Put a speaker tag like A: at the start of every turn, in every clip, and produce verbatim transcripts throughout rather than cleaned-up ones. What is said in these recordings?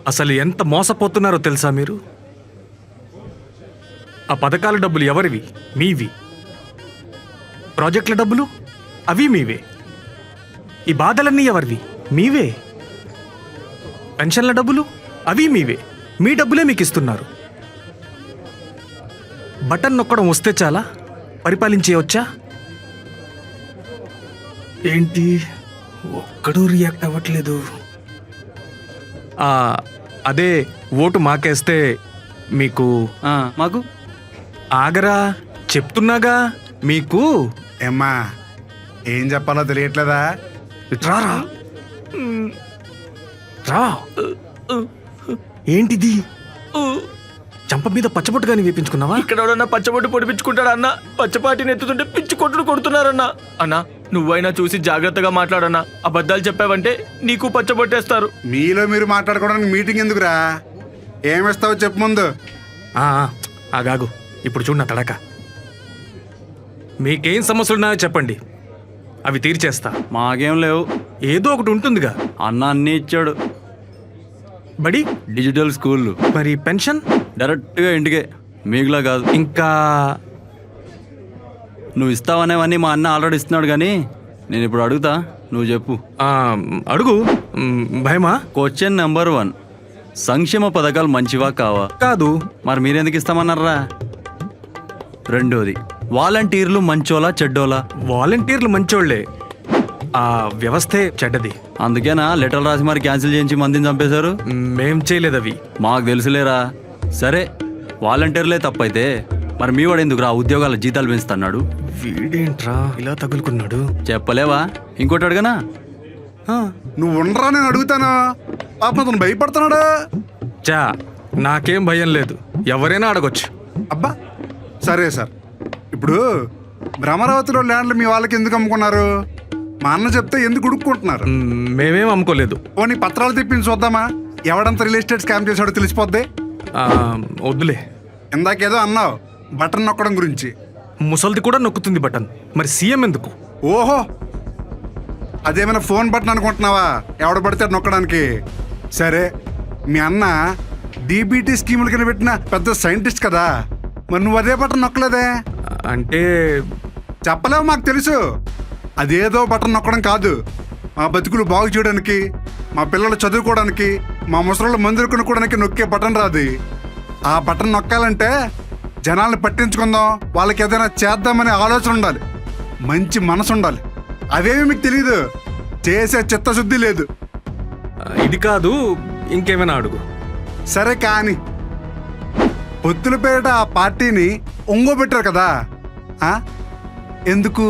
A: అసలు ఎంత మోసపోతున్నారో తెలుసా మీరు? ఆ పథకాల డబ్బులు ఎవరివి? మీవి. ప్రాజెక్టుల డబ్బులు అవి మీవే. ఈ బాధలన్నీ ఎవరివి? మీవే. పెన్షన్ల డబ్బులు అవి మీవే. మీ డబ్బులే మీకు ఇస్తున్నారు. బటన్ నొక్కడం వస్తే చాలా పరిపాలించేయవచ్చా? ఏంటి ఒక్కడూ రియాక్ట్ అవ్వట్లేదు? అదే ఓటు మాకేస్తే మీకు
B: మాకు
A: ఆగరా, చెప్తున్నాగా మీకు.
C: ఏమ్మా ఏం చెప్పాలో తెలియట్లేదా?
A: రారా రా. ఏంటిది? చంప మీద పచ్చబొట్టు కానీ వేపించుకున్నావా?
B: ఇక్కడ ఎవడన్నా పచ్చబొట్టు పొడిపించుకుంటాడా అన్న? పచ్చపాటిని ఎత్తుతుంటే పిచ్చి కొట్టుడు కొడుతున్నారన్నా. అన్నా నువ్వైనా చూసి జాగ్రత్తగా మాట్లాడన్నా. అబద్ధాలు చెప్పావంటే నీకు పచ్చబొట్టేస్తారు.
C: మీలో మీరు మాట్లాడుకోవడానికి మీటింగ్ ఎందుకురా? ఏమిస్తావో చెప్పు ముందు.
A: ఆగాగు, ఇప్పుడు చూడు నా తడక. మీకేం సమస్యలున్నాయో చెప్పండి, అవి తీర్చేస్తా.
B: మాకేం లేవు.
A: ఏదో ఒకటి ఉంటుందిగా.
B: అన్న అన్నీ ఇచ్చాడు.
A: బడి
B: డిజిటల్ స్కూల్.
A: మరి పెన్షన్
B: డైరెక్ట్గా ఇంటికే, మీకులా కాదు.
A: ఇంకా
B: నువ్వు ఇస్తావనేవన్నీ మా అన్న ఆల్రెడీ ఇస్తున్నాడు, కానీ నేను ఇప్పుడు అడుగుతా, నువ్వు చెప్పు.
A: అడుగు. భయమా?
B: క్వశ్చన్ నెంబర్ వన్, సంక్షేమ పథకాలు మంచివా కావా?
A: కాదు.
B: మరి మీరెందుకు ఇస్తామన్నారా? రెండోది, వాలంటీర్లు మంచోలా చెడ్డోలా?
A: వాలంటీర్లు మంచోళ్లే, ఆ వ్యవస్థే చెడ్డది.
B: అందుకేనా లెటర్లు రాసి మరి క్యాన్సిల్ చేయించి మందిని చంపేశారు?
A: మేం చేయలేదు అవి.
B: మాకు తెలుసులేరా. సరే వాలంటీర్లే తప్పైతే మరి మీ వాడు ఎందుకు రా ఉద్యోగాల జీతాలు పెంచుతున్నాడు?
A: వీడేంట్రా ఇలా తగులుకున్నాడు?
B: చెప్పలేవా? ఇంకోటి అడగనా?
C: నువ్వు ఉండరా, నేను అడుగుతాను. పాపం అతను భయపడుతున్నాడు.
A: చా నాకేం భయం లేదు, ఎవరైనా అడగొచ్చు.
C: అబ్బా సరే సార్, ఇప్పుడు భ్రమరావతిలో ల్యాండ్లు మీ వాళ్ళకి ఎందుకు అమ్ముకున్నారు? మా అన్న చెప్తే ఎందుకు ఉడుక్కుంటున్నారు?
A: మేమేం అమ్ముకోలేదు.
C: పోనీ పత్రాలు తెప్పించి చూద్దామా? ఎవడంత రియల్ ఎస్టేట్ స్కామ్ చేశాడో తెలిసిపోద్ది.
A: వద్దులే.
C: ఇందాకేదో అన్నావు బటన్ నొక్కడం గురించి.
A: ముసల్ది కూడా నొక్కుతుంది బటన్, మరి సీఎం ఎందుకు?
C: ఓహో, అదేమైనా ఫోన్ బటన్ అనుకుంటున్నావా ఎవడ పడితే నొక్కడానికి? సరే, మీ అన్న డీబీటీ స్కీముల కింద పెట్టిన పెద్ద సైంటిస్ట్ కదా, మరి నువ్వు అదే బటన్ నొక్కలేదే?
A: అంటే
C: చెప్పలేవు, మాకు తెలుసు. అదేదో బటన్ నొక్కడం కాదు, మా బతుకులు బాగు చేయడానికి, మా పిల్లలు చదువుకోవడానికి, మా ముసలు మందులు కొనుక్కోవడానికి నొక్కే బటన్ రాదు. ఆ బటన్ నొక్కాలంటే జనాల్ని పట్టించుకుందాం, వాళ్ళకి ఏదైనా చేద్దామనే ఆలోచన ఉండాలి, మంచి మనసు ఉండాలి. అవేమి మీకు తెలీదు, చేసే చిత్తశుద్ధి లేదు.
A: ఇది కాదు, ఇంకేమైనా అడుగు.
C: సరే కానీ పొత్తుల పేరిట ఆ పార్టీని ఒంగోబెట్టారు కదా, ఎందుకు?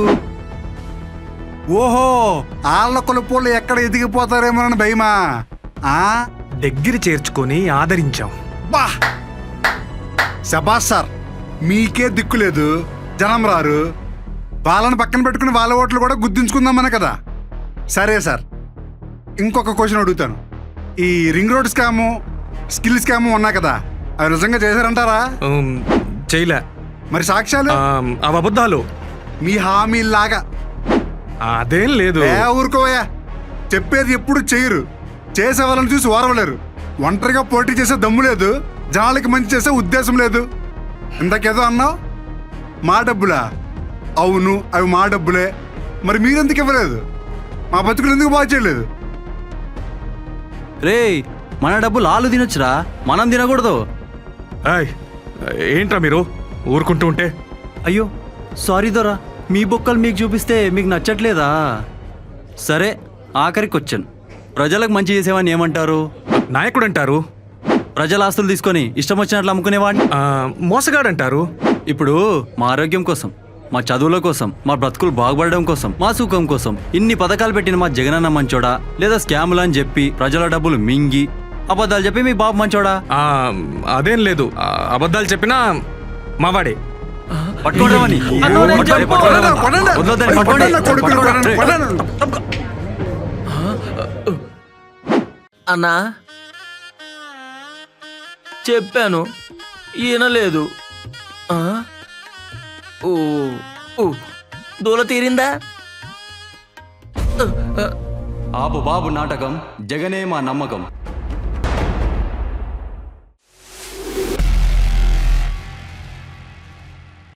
C: ఓహో, ఆళ్ళ కొలుపులు ఎక్కడ ఎదిగిపోతారేమోనని భయమా?
A: దగ్గర చేర్చుకొని ఆదరించాం.
C: బా శబాస్ సార్, మీకే దిక్కు లేదు, జనం రారు, వాళ్ళని పక్కన పెట్టుకుని వాళ్ళ ఓట్లు కూడా గుర్తించుకుందామనే కదా. సరే సార్, ఇంకొక క్వశ్చన్ అడుగుతాను. ఈ ring road scam, skill scam ఉన్నాయి కదా, అవి నిజంగా చేశారంటారా?
A: చేయలే.
C: మరి సాక్ష్యాలు?
A: అవి అబద్ధాలు.
C: మీ హామీలాగా.
A: అదేం లేదు.
C: ఊరుకోవయ్యా, చెప్పేది ఎప్పుడు చేయరు, చేసే వాళ్ళని చూసి ఓరవలేరు. ఒంటరిగా పోటీ చేసే దమ్ము లేదు, జనాలకి మంచి చేసే ఉద్దేశం లేదు. ఇందాకేదో అన్నావు, మా డబ్బులా? అవును, అవి మా డబ్బులే. మరి మీరెందుకు ఇవ్వలేదు? మా బతుకులు ఎందుకు బాగా చేయలేదు?
B: రే, మన డబ్బులు ఆలు తినొచ్చురా, మనం తినకూడదు.
A: ఏంట్రా మీరు ఊరుకుంటూ ఉంటే?
B: అయ్యో సారీ దొరా, మీ బొక్కలు మీకు చూపిస్తే మీకు నచ్చట్లేదా? సరే, ఆఖరి క్వశ్చన్, ప్రజలకు మంచి చేసేవాడిని ఏమంటారు?
A: నాయకుడు అంటారు.
B: ప్రజల ఆస్తులు తీసుకొని ఇష్టం వచ్చినట్లు అమ్ముకునేవాడిని
A: మోసగాడు అంటారు.
B: ఇప్పుడు మా ఆరోగ్యం కోసం, మా చదువుల కోసం, మా బ్రతుకులు బాగుపడడం కోసం, మా సుఖం కోసం ఇన్ని పథకాలు పెట్టిన మా జగనన్న మంచోడా, లేదా స్కాములు అని చెప్పి ప్రజల డబ్బులు మింగి అబద్ధాలు చెప్పి మీ బాబు మంచోడా?
A: అదేం లేదు, అబద్ధాలు చెప్పినా మావాడే.
B: పట్టుకోవడమని అన్నా చెప్పాను, ఈయనలేదు. దూల తీరిందా?
D: ఆపు బాబు నాటకం, జగనే మా నమ్మకం.